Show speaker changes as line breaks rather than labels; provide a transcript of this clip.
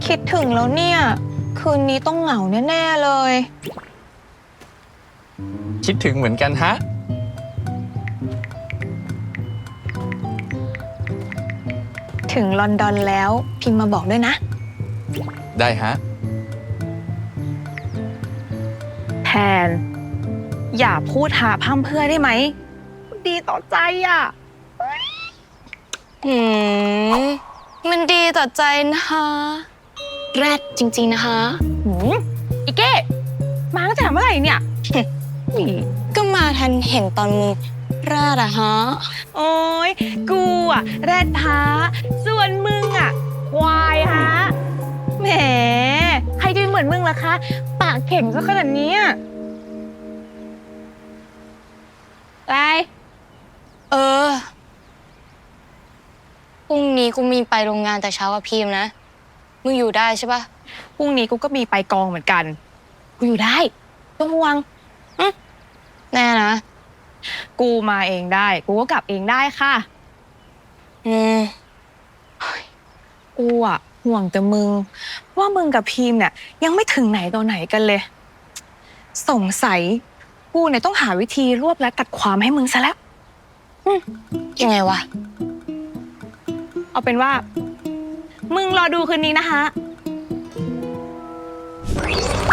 คิดถึงแล้วเนี่ย คืนนี้ต้องเหงาแน่ๆเลย
คิดถึงเหมือนกันฮะ
ถึงลอนดอนแล้วพิมพ์มาบอกด้วยนะ
ได้ฮะ
แทน อย่าพูดหาพร่ำเพื่อได้ไหม ดีต่อใจอ่ะ
มันดีต่อใจนะคะแรดจริงๆนะคะ
อีเก้มาตั้งแต่เมื่อไหร่เนี่ย
ก็มาทันเห็นตอนมึงราดอะฮะ
โอ้ยกูอะแรดฮะส่วนมึงอะควายฮะแหมใครจะเหมือนมึงล่ะคะ ปากเข่งซะขนาดนี้อะไร
เออพรุ่งนี้กูมีไปโรงงานแต่เช้ากับพีมนะ มึงอยู่ได้ใช่ปะ
พรุ่งนี้กูก็มีไปกองเหมือนกัน กูอยู่ได้ต้องห่วง
แน่นะ
กูมาเองได้ กูก็กลับเองได้ค่ะ
อืม
กูอะห่วงแต่มึง ว่ามึงกับพีมเนี่ยยังไม่ถึงไหนตัวไหนกันเลย สงสัยกูเนี่ยต้องหาวิธีรวบและตัดความให้มึงซะแล้ว
ยังไงวะ
เอาเป็นว่า มึงรอดูคืนนี้นะคะ